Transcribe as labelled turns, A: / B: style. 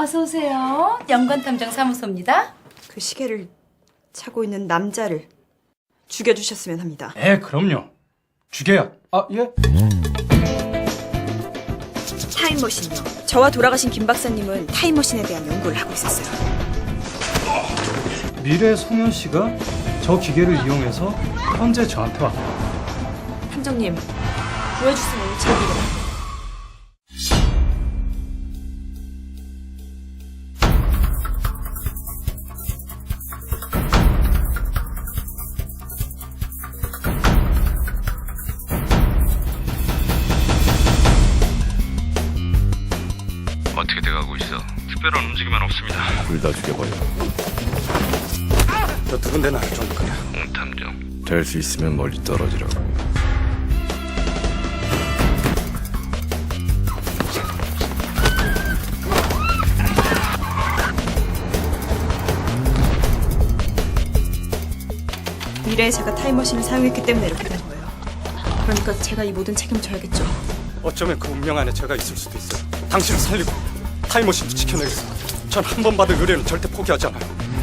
A: 어서 오세요. 연관탐정 사무소입니다.
B: 그 시계를 차고 있는 남자를 죽여주셨으면 합니다.
C: 그럼요. 죽여요. 예?
B: 타임머신이요. 저와 돌아가신 김 박사님은 타임머신에 대한 연구를 하고 있었어요.
C: 미래 송현 씨가 저 기계를 이용해서 현재 저한테 왔고.
B: 탐정님, 구해주시면 제기를.
D: 어떻게 돼가고 있어? 특별한 움직임은 없습니다.
E: 둘 다 죽여버려.
C: 저 두군데 나를 좀 그냥.
D: 탐정.
E: 될 수 있으면 멀리 떨어지라고.
B: 미래에 제가 타임머신을 사용했기 때문에 이렇게 된 거예요. 그러니까 제가 이 모든 책임을 져야겠죠.
C: 어쩌면 그 운명 안에 제가 있을 수도 있어요. 당신을 살리고 타임머신도 지켜내겠습니다. 전 한 번 받은 의뢰는 절대 포기하지 않아요.